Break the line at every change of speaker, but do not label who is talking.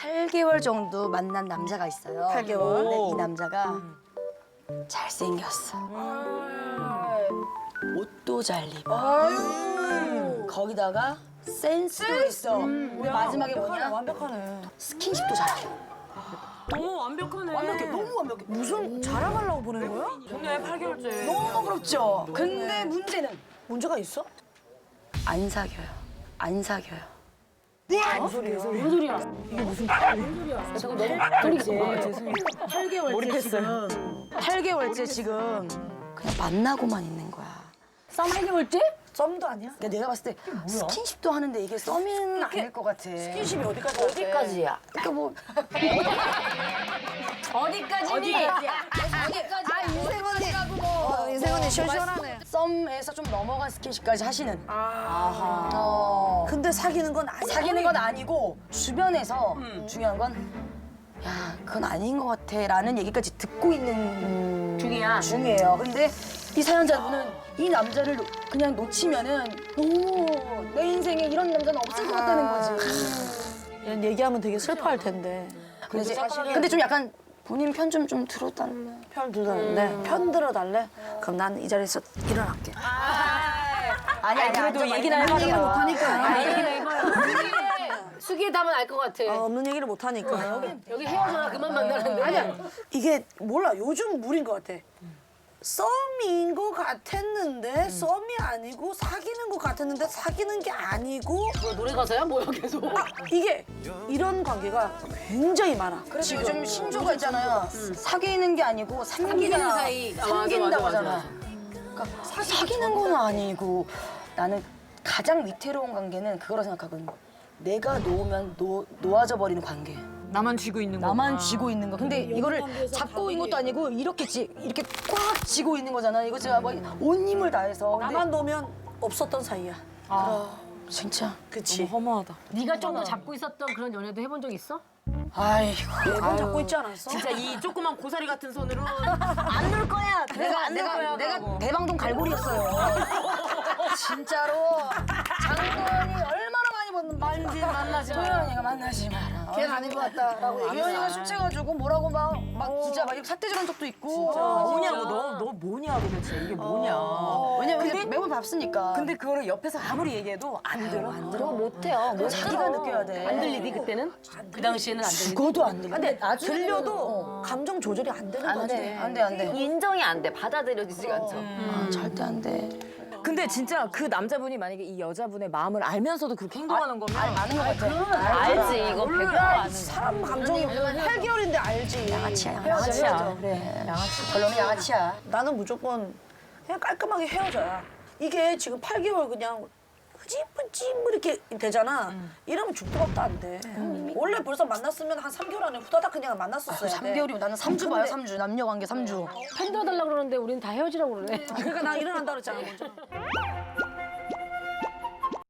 8개월 정도 만난 남자가 있어요.
8개월?
근데 이 남자가 잘생겼어. 옷도 잘 입어. 거기다가 센스도 있어. 우리 마지막에 뭐냐?
완벽하네.
스킨십도 잘해.
너무 완벽하네.
완벽해, 너무 완벽해.
무슨 자랑하려고 보낸 거야?
좋네, 8개월째.
너무 부럽죠? 근데 문제는
문제가 있어?
안 사겨요. 안 사겨요.
무슨 소리야?
8개월째 지금 그냥 만나고만 있는 거야.
썸 8개월째?
썸도 아니야?
근데 내가 봤을 때 스킨십도 하는데 이게 썸은 아닐 것 같아.
스킨십이 어디까지?
어디까지야?
그러니까 뭐
어디까지니?
인생 언니. 인생 언니 시원시원하네.
썸에서 좀 넘어간 스킨십까지 하시는.
근데 사귀는 건 아니야.
사귀는 건 아니고 주변에서 중요한 건 야, 그건 아닌 것 같아라는 얘기까지 듣고 있는 중이에요. 근데 이 사연자분은 이 남자를 그냥 놓치면은 너무 내 인생에 이런 남자는 없을 것 같다는 거지.
이런 얘기하면 되게 슬퍼할 텐데.
근데 좀 약간 본인 편 좀 들어달래.
편 들어달래? 편 들어달래? 그럼 난 이 자리에서 일어날게.
아니
그래도 얘기는 해봐요.
얘기를 못하니까.
얘기는 해봐요. 수기의 답은 알 것 같아.
없는 얘기를 못하니까.
여기 헤어져라 그만 만나는데.
아니야. 이게 몰라. 요즘 물인 것 같아. 썸인 것 같았는데 썸이 아니고 사귀는 것 같았는데 사귀는 게 아니고
뭐 노래 가사야? 뭐야 계속.
이게 이런 관계가 굉장히 많아.
그래서 요즘 신조가 있잖아요. 사귀는 게 아니고
삼기는 사이.
삼긴다고
맞아.
하잖아. 그러니까 사귀는 건 아니고 나는 가장 위태로운 관계는 그거라 생각하거든. 내가 놓으면 놓아져 버리는 관계.
나만 쥐고 있는 거.
나만 쥐고 있는 거. 근데 이거를 잡고 있는 것도 아니고 이렇게 이렇게 꽉 쥐고 있는 거잖아. 이거 제가 뭐 온 힘을 다해서. 근데
나만 놓으면 없었던 사이야.
진짜.
그치?
허무하다.
네가 좀 더 잡고 있었던 그런 연애도 해본 적 있어?
아이고.
매번 잡고 있지 않았어?
진짜 이 조그만 고사리 같은 손으로
안 놀 거야. 내가 대방동 갈고리였어요. 진짜로 장도연이 얼마나 많이 만나지 마. 도연이가 만나지 마라.
걔는 아닌 것 같다라고 얘기했어.
도연이가 술 취해가지고 뭐라고 막 진짜 막 삿대질한 적도 있고.
뭐냐고 너 뭐냐 도대체 이게 뭐냐.
왜냐면 근데 매번 밥쓰니까.
근데 그거를 옆에서 아무리 얘기해도 안 들어.
그거 못해요. 못
자기가 느껴야 돼.
안 들리니 그때는? 그 당시에는 안 들리니?
죽어도 안 들려.
근데 들려도 감정 조절이 안 되는 거지.
안 돼.
인정이 안 돼. 받아들여지지가 않죠.
절대 안 돼.
근데 진짜 그 남자분이 만약에 이 여자분의 마음을 알면서도 그렇게 행동하는 거면
아는 것 같아.
알지. 이거 100% 아는
사람 감정이 8개월인데 알지.
양아치야. 그래. 양아치. 결론은 양아치야.
나는 무조건 그냥 깔끔하게 헤어져야. 이게 지금 8개월 그냥 흐지부지 뭐 이렇게 되잖아. 이러면 죽도 밥도 안 돼. 원래 벌써 만났으면 한 3개월 안에 후다닥 그냥 만났었어야 돼.
3개월이면 나는 3주 봐요, 3주. 남녀 관계 3주.
편 들어달라고 그러는데 우리는 다 헤어지라고 그러네.
그러니까 나 일어난다 그랬잖아 먼저.